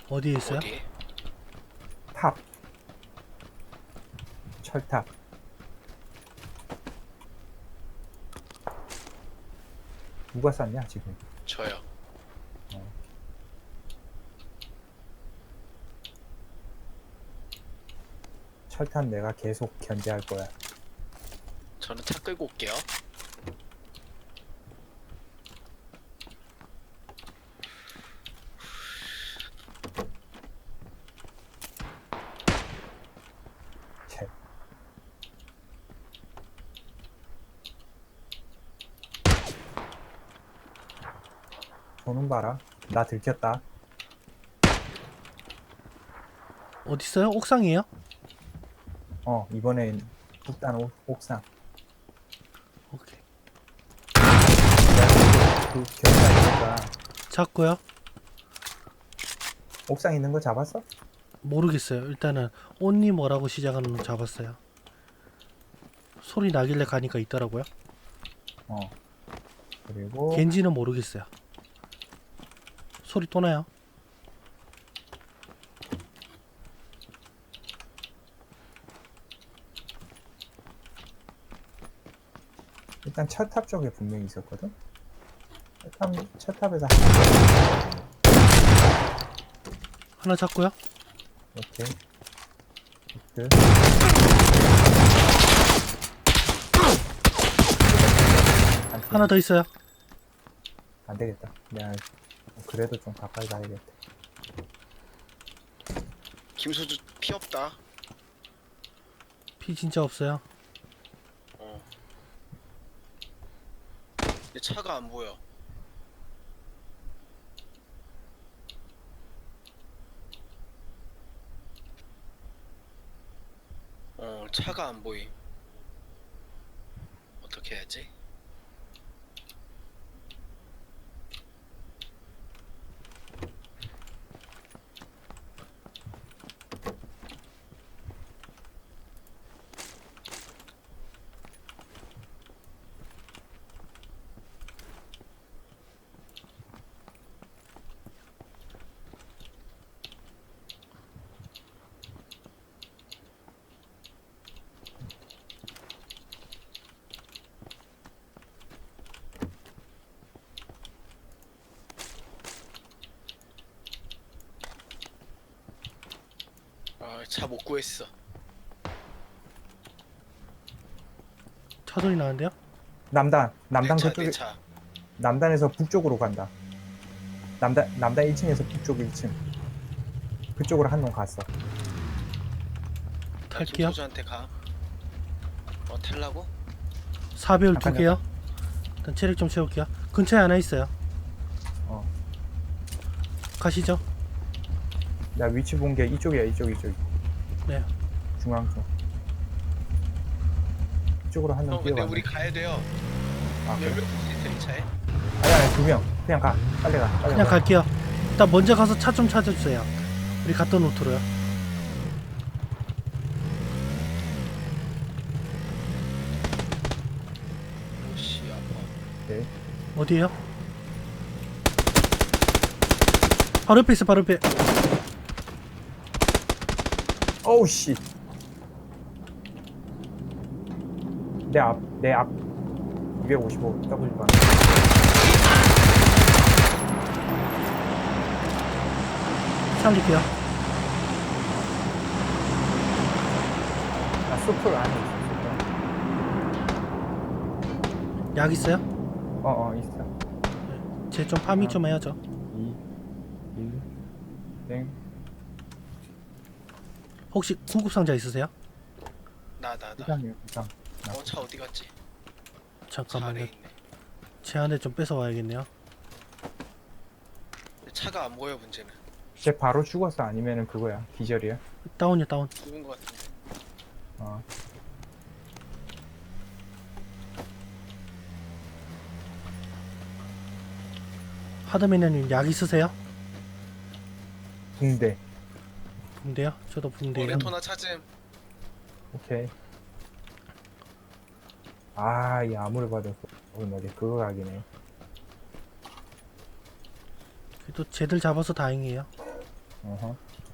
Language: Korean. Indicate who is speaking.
Speaker 1: 어디에 있어요?
Speaker 2: 어디?
Speaker 3: 탑. 철탑. 누가 쐈냐 지금?
Speaker 2: 저요.
Speaker 3: 철탑 내가 계속 견제할 거야.
Speaker 2: 저는 차 끌고 올게요.
Speaker 3: 채. 보는 봐라. 나 들켰다.
Speaker 1: 어디 있어요? 옥상이에요?
Speaker 3: 이번엔 일단 옥상.
Speaker 1: 오케이.
Speaker 3: 그 견제하니까
Speaker 1: 잡고요.
Speaker 3: 옥상 있는 거 잡았어?
Speaker 1: 모르겠어요. 일단은 온니 뭐라고 시작하는 の 잡았어요. 소리 나길래 가니까 있더라고요.
Speaker 3: 그리고
Speaker 1: 겐지는 모르겠어요. 소리 또 나요.
Speaker 3: 일단 철탑 쪽에 분명히 있었거든. 철탑에서
Speaker 1: 하나 잡고요.
Speaker 3: 이렇게 끝.
Speaker 1: 하나 더 있어요.
Speaker 3: 안 되겠다. 내가 그래도 좀 가까이 가야겠다.
Speaker 2: 김소주 피 없다.
Speaker 1: 피 진짜 없어요.
Speaker 2: 내 차가 안 보여. 차가 안 보임. 어떻게 해야지? 차 못 구했어.
Speaker 1: 차 소리 나는데요?
Speaker 3: 남단
Speaker 2: 내 차,
Speaker 3: 그쪽에
Speaker 2: 내 차.
Speaker 3: 남단에서 북쪽으로 간다. 남단 1층에서 북쪽 1층. 그쪽으로 한 놈 갔어.
Speaker 2: 나
Speaker 1: 탈게요.
Speaker 2: 김소주한테 가. 탈라고?
Speaker 1: 사배율 두
Speaker 3: 잠깐,
Speaker 1: 개요. 일단 체력 좀 채울게요. 근처에 하나 있어요.
Speaker 3: 어.
Speaker 1: 가시죠.
Speaker 3: 나 위치 본 게 이쪽이야. 이쪽.
Speaker 1: 네.
Speaker 3: 중앙 쪽. 이쪽으로 한 놈
Speaker 2: 형, 근데
Speaker 3: 뛰어가네.
Speaker 2: 우리 가야 돼요.
Speaker 3: 아, 그래?
Speaker 2: 몇명 있어 이 차에?
Speaker 3: 아니 2명. 그냥 가. 빨리 가. 빨리
Speaker 1: 그냥
Speaker 3: 가.
Speaker 1: 갈게요. 일단 먼저 가서 차 좀 찾아주세요. 우리 갔던 루트로요.
Speaker 2: 오씨 아파.
Speaker 3: 오케이.
Speaker 1: 어디에요? 바로 옆에 있어. 바로 옆에.
Speaker 3: 어우 씨. 내 앞 255 W 반.
Speaker 1: 살릴게요.
Speaker 3: 나 숲을 안에 있어.
Speaker 1: 약 있어요?
Speaker 3: 있어.
Speaker 1: 쟤 좀 파밍 좀 해야죠.
Speaker 3: 2 1 땡.
Speaker 1: 혹시 구급상자 있으세요?
Speaker 2: 나.
Speaker 3: 이상이요.
Speaker 2: 차 어디 갔지? 차 안에
Speaker 1: 잠깐만요.
Speaker 2: 있네.
Speaker 1: 제 안에 좀 뺏어 와야겠네요.
Speaker 2: 근데 차가 안 보여 문제는.
Speaker 3: 쟤 바로 죽었어 아니면은 그거야. 기절이야.
Speaker 1: 다운이요, 다운.
Speaker 2: 죽은 것 같은데.
Speaker 3: 어.
Speaker 1: 하드맨님 약 있으세요?
Speaker 3: 붕대.
Speaker 1: 붕대요? 저도 붕대요.
Speaker 2: 레토나 찾음.
Speaker 3: 오케이. 이 암호를 받았어. 뭐지 그거 각이네.
Speaker 1: 그래도 쟤들 잡아서 다행이에요.
Speaker 3: 어허.